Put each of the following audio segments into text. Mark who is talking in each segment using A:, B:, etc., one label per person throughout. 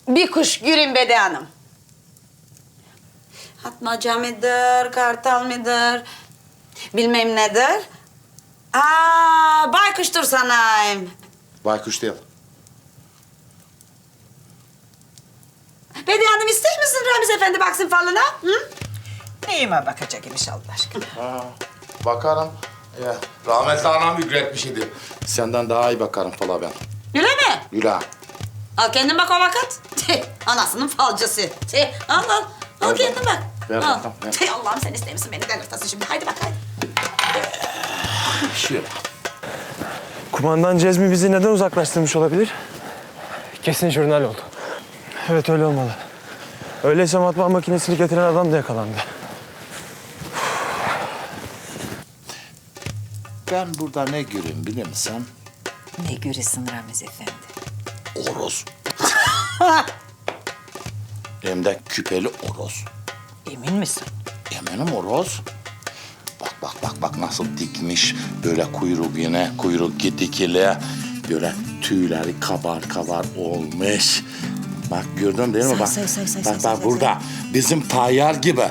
A: bir kuş göreyim Bediye Hanım. Atmaca mıdır, kartal mıdır? Bilmem nedir. Baykuştur sanayım.
B: Baykuş değil.
A: Bediye Hanım ister misin Ramiz Efendi baksın falına? Hı?
C: Neyime bakacak imiş Allah aşkına.
B: Bakarım. Ya, rahmetli anam ücretmiş idi. Senden daha iyi bakarım fala ben.
A: Öyle mi?
B: Yürü.
A: Al kendin bak o vakit. Anasının falcısı. Al. Al
B: Ver
A: kendin
B: bak.
A: bak.
B: Ver
A: Al.
B: bakalım, ver.
A: Allah'ım sen ister misin beni delirtasın şimdi. Haydi bak haydi.
B: Şöyle.
D: Kumandan Cezmi bizi neden uzaklaştırmış olabilir?
E: Kesin jurnal oldu.
D: Evet öyle olmalı. Öyleyse matbaa makinesini getiren adam da yakalandı.
B: Ben burada ne göreyim biliyor musun?
C: Ne göresin Ramiz Efendi?
B: Oroz. Hem de küpeli oroz.
C: Emin misin?
B: Eminim oroz. Bak nasıl dikmiş. Böyle kuyruk yine, kuyruk dikili. Böyle tüyleri kabar olmuş. Bak gördün değil mi? Bak burada. Bizim tayyar gibi.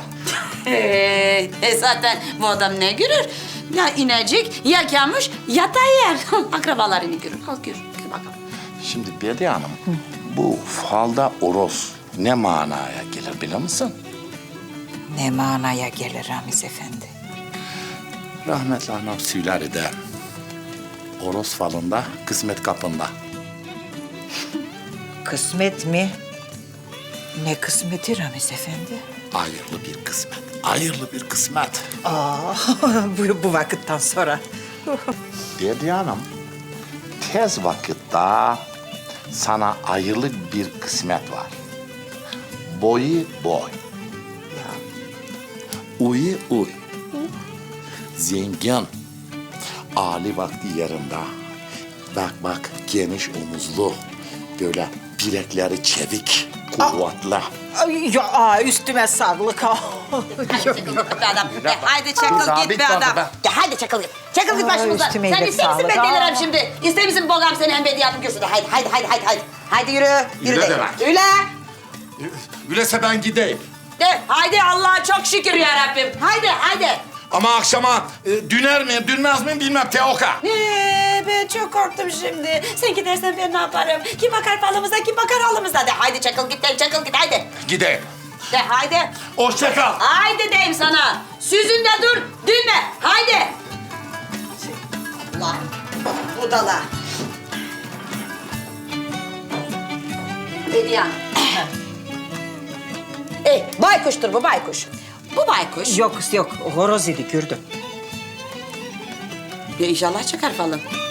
A: Zaten bu adam ne görür? Ya inecek, ya kamış, ya tayyar. Akrabalarını görür. Al gör. Gör bakalım.
B: Şimdi Bediye Hanım, bu falda oroz ne manaya gelir biliyor musun?
C: Ne manaya gelir Ramiz Efendi?
B: Rahmetli anam söyler de oroz falında kısmet kapında.
C: Kısmet mi? Ne kısmeti Ramiz Efendi?
B: Hayırlı bir kısmet, hayırlı bir kısmet.
C: Bu vakitten sonra.
B: Bediye Hanım, tez vakitte sana hayırlı bir kısmet var. Boyu boy. Uyu uy. Zengin. Ali vakti yerinde. Bak geniş omuzlu. Böyle bilekleri çevik, kuvvetli.
C: Ay, ya üstüme sağlık.
A: Haydi çakıl git be adam. Haydi çakıl git be adam. Ya haydi çakıl git. Çakıl git başımızdan.
C: üstüme
A: Sen
C: iyilik
A: ister misin ben
C: sağlık.
A: delirim şimdi? İster misin bogam seni hem Bediye Hanım görsün? Haydi. Haydi yürü.
B: Yürü
A: de.
B: demek.
A: Yürü.
B: Öyleyse ben gideyim.
A: De haydi Allah'a çok şükür ya Rabbim. Haydi.
B: Ama akşama düner miyim, dünmez miyim bilmem Teoka.
A: Ben çok korktum şimdi. Sen gidersen ben ne yaparım? Kim bakar falımıza, kim bakar halımıza? De haydi çakıl git haydi.
B: Gideyim.
A: De haydi.
B: Hoşça kal.
A: Haydi deyim sana. Süzünde dur, dünme. Haydi. Allah, budala. Bediye Hanım. Baykuştur bu baykuş. Bu baykuş.
C: Yok horoz idi gördüm.
A: Ya inşallah çıkar falın.